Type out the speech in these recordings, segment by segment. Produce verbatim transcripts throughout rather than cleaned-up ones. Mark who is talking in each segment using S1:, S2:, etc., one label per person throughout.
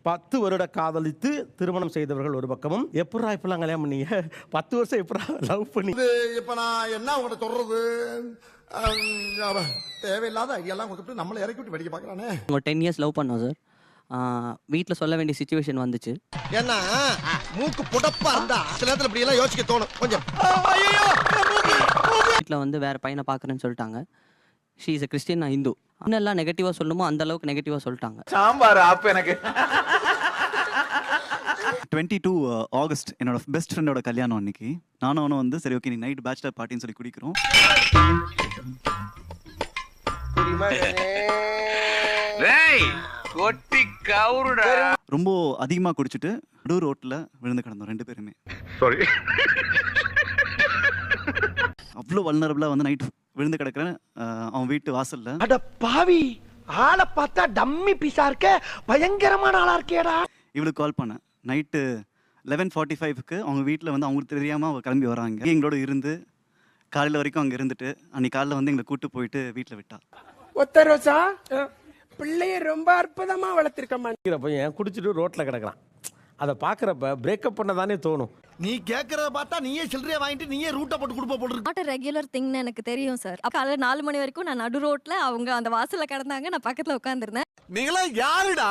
S1: பத்து வருட காதலித்து திருமணம் செய்தவர்கள் ஒரு பக்கமும், எப்படா இப்பெல்லாம் கல்யாணம் பண்ணீங்க, பத்து வருஷம் எப்படா லவ் பண்ணி,
S2: இப்ப நான் என்ன உங்கள்ட்ட சொல்றது, தேவையில்லாத ஐடியாலாம் கொடுத்துட்டு நம்மளை இறக்கி விட்டு வெடிக்க பார்க்கறானே.
S3: ஒரு டென் இயர்ஸ் லவ் பண்ணோம் சார். வீட்டில் சொல்ல வேண்டிய சுச்சுவேஷன் வந்துச்சு.
S2: ஏன்னா மூக்கு புடப்பா இருந்தா சில நேரத்தில் இப்படி எல்லாம் யோசிக்க தோணும் கொஞ்சம்.
S3: வீட்டில் வந்து வேற பையனை பார்க்குறேன்னு சொல்லிட்டாங்க. ஷீ இஸ் எ கிறிஸ்டின், நான் ஹிந்து. இன்னெல்லாம் நெகட்டிவாக சொல்லுமோ அந்த அளவுக்கு நெகட்டிவாக சொல்லிட்டாங்க.
S4: சாம்பார் ஆப்பு எனக்கு.
S5: டுவெண்ட்டி டூ ஆகஸ்ட் என்னோட பெஸ்ட் ஃப்ரெண்டோட கல்யாணம் அன்னைக்கு. நானும் அவனும் வந்து சரி ஓகே நீ நைட் பேச்சுலர் பார்ட்டின்னு சொல்லி குடிக்கிறோம். ரொம்ப அதிகமா குடிச்சிட்டு நடு ரோட்ல விழுந்து கிடந்தோம் ரெண்டு பேருமே.
S4: சாரி.
S5: அவ்வளோ வல்னரபிளா வந்து நைட் விழுந்து கிடக்குறேன் அவன் வீட்டு வாசல்ல.
S2: அட பாவி, ஆளை பார்த்தா டம்மி பீஸா இருக்க, பயங்கரமான ஆளா இருக்கேடா.
S5: இவளுக்கு கால் பண்ணேன் நைட்டு லெவன் ஃபார்ட்டி ஃபைவ்க்கு அவங்க வீட்டில் வந்து அவங்களுக்கு தெரியாமல் அவங்க கிளம்பி வராங்க. எங்களோட இருந்து காலையில் வரைக்கும் அங்கே இருந்துட்டு அன்னைக்கு காலையில் வந்து எங்களை கூட்டு போயிட்டு வீட்டில் விட்டா.
S6: ஒத்த ரோசா பிள்ளைய ரொம்ப அற்புதமா வளர்த்திருக்கமா.
S1: பையன் குடிச்சிட்டு ரோட்ல கிடக்குறான். அதை பார்க்குறப்ப பிரேக்கப் பண்ண தானே தோணும்.
S2: நீ கேட்கறத பார்த்தா நீயே சில்லறையா வாங்கிட்டு நீயே ரூட்டை போட்டு கொடுப்ப போட்டு.
S7: நாட் a regular thingன்னு எனக்கு தெரியும் சார். காலைல நாலு மணி வரைக்கும் நான் நடு ரோட்ல அவங்க அந்த வாசல்ல கிடந்தாங்க, நான் பக்கத்துல உட்கார்ந்திருந்தேன்.
S2: நீங்களா யாருடா?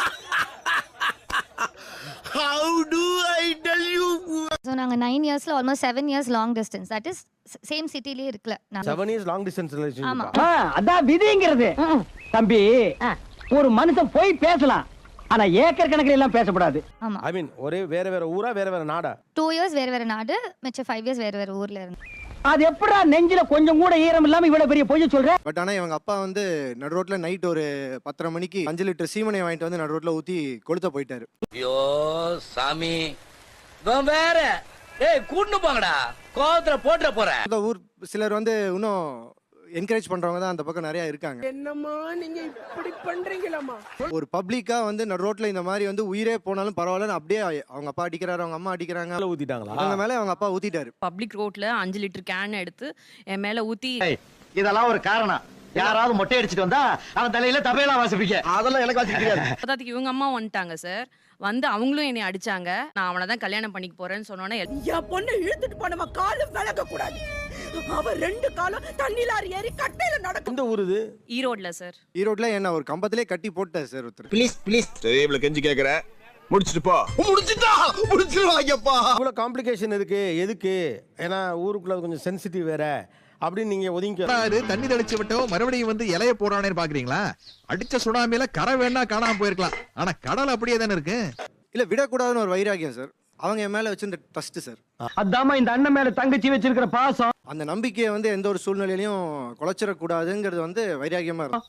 S2: How do I tell you?
S8: So நாங்க nine yearsல almost seven years long distance. That is same cityலயே இருக்கல.
S1: Seven years long distance relationship.
S6: அதான் விதிங்கிறது. தம்பி, ஒரு மனுஷன் போய் பேசலாம், ஆனா ஏக்கர் கணக்கில் எல்லாம் பேசக்கூடாது.
S8: ஆமா.
S1: ஐ மீன் ஒரே வேற வேற ஊரா வேற வேற நாடா?
S8: two years வேற வேற நாடு, மிச்ச five years வேற வேற ஊர்ல இருந்து.
S6: அது எப்படா நெஞ்சில கொஞ்சம் கூட ஈரம் இல்லாம இவ்வளவு பெரிய பொய் சொல்ற?
S9: பட் ஆனா இவங்க அப்பா வந்து நடு ரோட்ல நைட் ஒரு பத்தரை மணிக்கு அஞ்சு லிட்டர் சீமனை வாங்கிட்டு வந்து நடு ரோட்ல ஊத்தி கொளுத்த போயிட்டாரு.
S10: ஐயோ சாமி, வேற ஏய் கூட்டு போங்கடா, கோவத்துல போட்டுற போறேன்.
S9: ஊர் சிலர் வந்து இன்னும் என்கரேஜ் பண்றவங்க தான் அந்த பக்கம் நிறைய இருக்காங்க.
S6: என்னம்மா நீங்க இப்படி பண்றீங்களாமா?
S9: ஒரு பப்ளிக்கா வந்து நடு ரோட்ல இந்த மாதிரி வந்து உயிரே போனாலும் பரவாயில்லன்னு அப்படியே அவங்க அப்பா அடிக்கிறாரு, அவங்க அம்மா அடிக்கிறாங்க,
S1: ஊத்திட்டாங்களா?
S9: அவங்க மேல அவங்க அப்பா ஊத்திட்டாரு.
S7: பப்ளிக் ரோட்ல அஞ்சு லிட்டர் கேன் எடுத்து என் மேல ஊத்தி.
S6: இதெல்லாம் ஒரு காரணம். யாராவது மொட்டை அடிச்சிட்டு வந்தா அவன் தலையில தபையெல்லாம் வாசிப்பீங்க. அதெல்லாம் எனக்கு வாசிக்க தெரியாது.
S7: பத்தாத்துக்கு இவங்க அம்மா வந்துட்டாங்க சார். வந்து அவங்களும் என்னை அடிச்சாங்க. நான் அவனை தான் கல்யாணம் பண்ணிக்க போறேன்னு சொன்னோன்னே
S6: என் பொண்ணு இழுத்துட்டு போனவ காலு விளக்க கூடாது. அவ ரெண்டு காலம் தண்ணில ஏறி கட்டையில நடக்கும்.
S1: இந்த ஊரு இது
S7: ஈரோட்ல சார்.
S9: ஈரோட்ல என்ன ஒரு கம்பத்திலே கட்டி போட்டார் சார் ஒருத்தர்.
S2: ப்ளீஸ் ப்ளீஸ் சரி இவ்வளவு கெஞ்சி கேக்குற, முடிச்சிட்டு போ. முடிச்சிட்டா முடிச்சிருவாங்கப்பா.
S1: இவ்வளவு காம்ப்ளிகேஷன் இருக்கு எதுக்கு? ஏன்னா ஊருக்குள்ள கொஞ்சம் சென்சிட்டிவ் வேற அப்படின்னு நீங்க ஒதுங்கி
S4: தண்ணி தெளிச்சு விட்டோம் மறுபடியும் வந்து இலைய போறானேன்னு பாக்குறீங்களா? அடிச்ச சுனாமியில கரை வேணா காணாம போயிருக்கலாம், ஆனா கடல் அப்படியே தானே இருக்கு.
S9: இல்ல விடக்கூடாதுன்னு ஒரு வைராகியம் சார். அவங்க என் மேல வச்சிருந்த ட்ரஸ்ட் சார்.
S6: அதாம இந்த அண்ணன் மேல தங்கச்சி வச்சிருக்கிற பாசம்.
S9: அந்த நம்பிக்கையை வந்து எந்த ஒரு சூழ்நிலையிலையும் குலைச்சிட கூடாதுங்கிறது வந்து வைராகியமா இருக்கும்.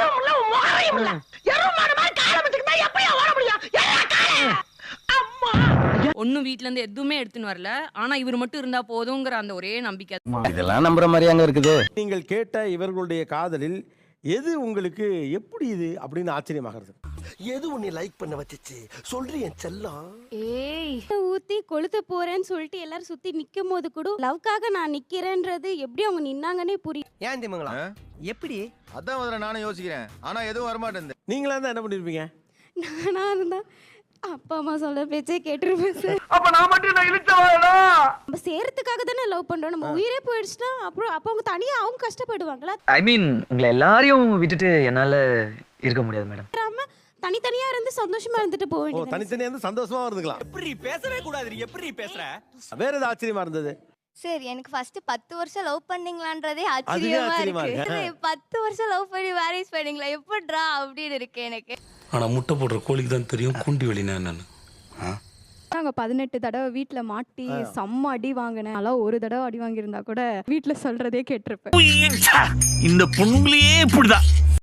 S7: ஒன்னும் வீட்ல இருந்து எதுவுமே எடுத்துன்னு வரல, ஆனா இவர் மட்டும் இருந்தா போதுங்கிற அந்த ஒரே நம்பிக்கை.
S6: இதெல்லாம் நம்புற மாதிரி அங்க இருக்குது.
S1: நீங்கள் கேட்ட இவர்களுடைய காதலில் எது உங்களுக்கு எப்படி இது அப்படின்னு ஆச்சரியமாகிறது?
S2: எது உன்னை லைக் பண்ண வச்சிச்சு சொல்றீ என் செல்லம்?
S7: ஏய் ஊத்தி கொளுத்த போறேன்னு சொல்லிட்டு எல்லாரும் சுத்தி நிக்கும் போது கூட லவ்க்காக நான் நிக்கிறேன்றது எப்படி அவங்க நின்னாங்கன்னே புரியும்.
S6: ஏன் திமுங்களா எப்படி?
S4: அதான் முதல்ல நானும் யோசிக்கிறேன், ஆனா எதுவும் வரமாட்டேன்.
S1: நீங்களா தான் என்ன பண்ணிருப்பீங்க?
S7: நானா இருந்தா அப்பா அம்மா சொல்ல பேச்சே கேட்டிருப்பேன் சார்.
S6: அப்ப நான் மட்டும் நான் இழுச்சவாடா.
S7: நம்ம சேரத்துக்காக தானே லவ் பண்றோம். நம்ம உயிரே போயிடுச்சுன்னா அப்புறம் அப்ப அவங்க தனியா அவங்க கஷ்டப்படுவாங்களா?
S10: ஐ மீன் உங்களை எல்லாரையும் விட்டுட்டு என்னால இருக்க முடியாது மேடம்.
S7: தனித்தனியா இருந்து சந்தோஷமா இருந்துட்டு போக
S1: ஓ
S7: வேண்டியது.
S1: தனித்தனியா இருந்து சந்தோஷமா இருந்துக்கலாம்.
S6: எப்படி பேசவே கூடாது, நீ எப்படி பேசுற?
S1: வேற ஏதாவது ஆச்சரியமா இருந்தது?
S8: சார் எனக்கு ஃபர்ஸ்ட் பத்து வருஷம் லவ் பண்ணீங்களான்றதே
S1: அதுவே
S8: ஆச்சரியமா
S1: ஆச்சரியமா
S8: இருக்கு.
S1: இருக்கு.
S8: பத்து வருஷம் லவ் பண்ணி மேரேஜ் பண்ணீங்களா எப்படிடா அப்படின்னு இருக்கு எனக்கு.
S11: ஆனா முட்டை போடுற கோழிக்கு தான் தெரியும் குண்டி வெளினா என்னன்னு.
S7: நாங்க பதினெட்டு தடவை வீட்டுல மாட்டி செம்ம அடி வாங்கினேன். அதெல்லாம் ஒரு தடவை அடி வாங்கியிருந்தா கூட வீட்டுல சொல்றதே கேட்டிருப்பேன்.
S10: இந்த பொண்ணுங்களையே இப்படிதான்